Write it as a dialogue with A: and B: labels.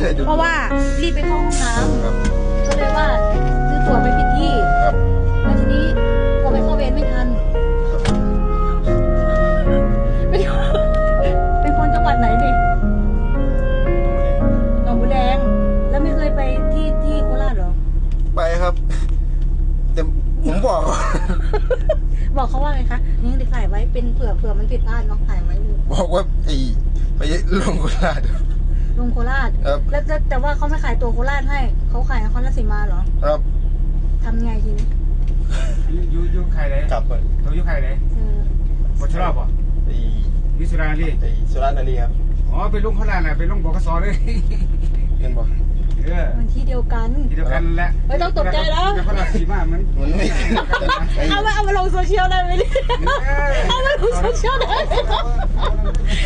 A: เพราะว่ารีบไปเข้าห้องน้ำก็เลยว่าซื้อตั๋วไปผิดที่แล้วทีนี้กลัวไปเข้าเวรไม่ทันเป็นคนจังหวัดไหนดิหนองบัวแดงแล้วไม่เคยไปที่โคราชเหรอ
B: ไปครับแต่ผมบอก
A: บอกเขาว่าไงคะนี่ได้ถ่ายไว้เป็นเผื่อมันผิดพลาดน้องถ่ายไว้เลย
B: บอกว่าไปลงโคราช
A: ลงโคราชแล้วแต่ว่าเขาไม่ขายตัวโคราชให้เขาขายนครราชสีมาเหรอ
B: ครับ
A: ทำไงทีนี้
C: ยุใครเลย
B: กลับไป
C: เรายุใครเลยบชรอบป่ะวิสุราลี
B: สุรานารีครับ
C: อ๋อไปลงโคราชน่ะไปลงบกสเลย
B: เห็นบอก
A: มันที่เดียวกัน
C: แหละ
A: ไม่ต้องตกใจแล้ว
C: นครราชสีมามัน
B: ไม่
A: เอามาลงโซเชียลได้ไหมเนี่ยเอามาลงโซเชียลได้